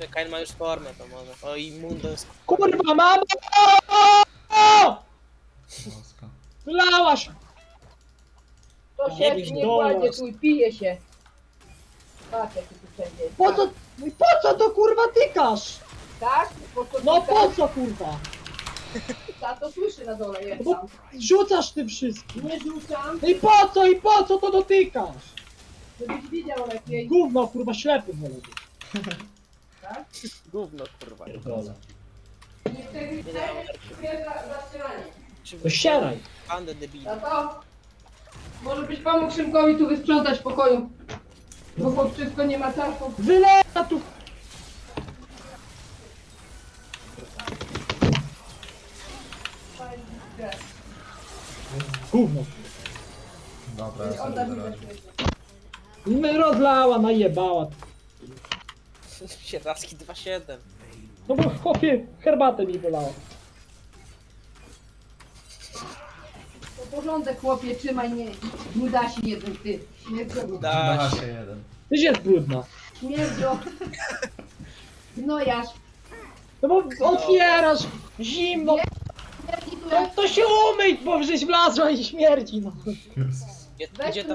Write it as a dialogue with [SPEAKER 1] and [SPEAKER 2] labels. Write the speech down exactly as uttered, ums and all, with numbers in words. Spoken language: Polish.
[SPEAKER 1] Kain ma już formę, to może. O, i Mundo jest...
[SPEAKER 2] Kurwa, mama!
[SPEAKER 3] Boska.
[SPEAKER 2] Wylałaś!
[SPEAKER 4] To
[SPEAKER 2] Nie
[SPEAKER 4] się
[SPEAKER 2] być
[SPEAKER 4] nie
[SPEAKER 2] dolas.
[SPEAKER 4] kładzie tu i pije się. Patrz jaki tu wszędzie jest.
[SPEAKER 2] Po co, po co to kurwa tykasz?
[SPEAKER 4] Tak? Po co
[SPEAKER 2] No
[SPEAKER 4] ty
[SPEAKER 2] po co kurwa?
[SPEAKER 4] Ta to słyszy na dole, jest
[SPEAKER 2] Bo
[SPEAKER 4] tam.
[SPEAKER 2] rzucasz tym wszystkim.
[SPEAKER 4] Nie rzucam,
[SPEAKER 2] No i po co, i po co to dotykasz?
[SPEAKER 4] żebyś widział lepiej.
[SPEAKER 2] Gówno kurwa, ślepy wolę być.
[SPEAKER 4] Tak?
[SPEAKER 1] Gówno, kurwa.
[SPEAKER 2] Pierdolę.
[SPEAKER 4] Nie wtedy za zastrzelanie.
[SPEAKER 2] To ścieraj.
[SPEAKER 1] Bandę debili.
[SPEAKER 4] Tato, może byś pomógł Szymkowi tu wysprzątać w pokoju. Bo chłopczysko nie ma czasu.
[SPEAKER 2] Wylewa tu. Gówno.
[SPEAKER 3] Dobra, ja sobie
[SPEAKER 4] Odda mi
[SPEAKER 3] wyrażę.
[SPEAKER 2] My rozlała, najebała.
[SPEAKER 1] Sieracki dwa siedem.
[SPEAKER 2] No bo chłopie, herbatę mi wylała.
[SPEAKER 4] To porządek chłopie, trzymaj, nie, nie da się jeden ty. Śmierdzio.
[SPEAKER 1] Da
[SPEAKER 3] Da
[SPEAKER 1] się.
[SPEAKER 3] się jeden.
[SPEAKER 2] Tyś jest brudna.
[SPEAKER 4] Śmierdzio. Gnojarz.
[SPEAKER 2] No bo otwierasz, zimno.
[SPEAKER 4] Śmierdzi tu
[SPEAKER 2] No
[SPEAKER 4] jak
[SPEAKER 2] to się umyj, bo żeś wlazła i śmierdzi no.
[SPEAKER 3] Jezus.
[SPEAKER 1] Gdzie,
[SPEAKER 4] Weź
[SPEAKER 1] gdzie
[SPEAKER 4] tu
[SPEAKER 1] ta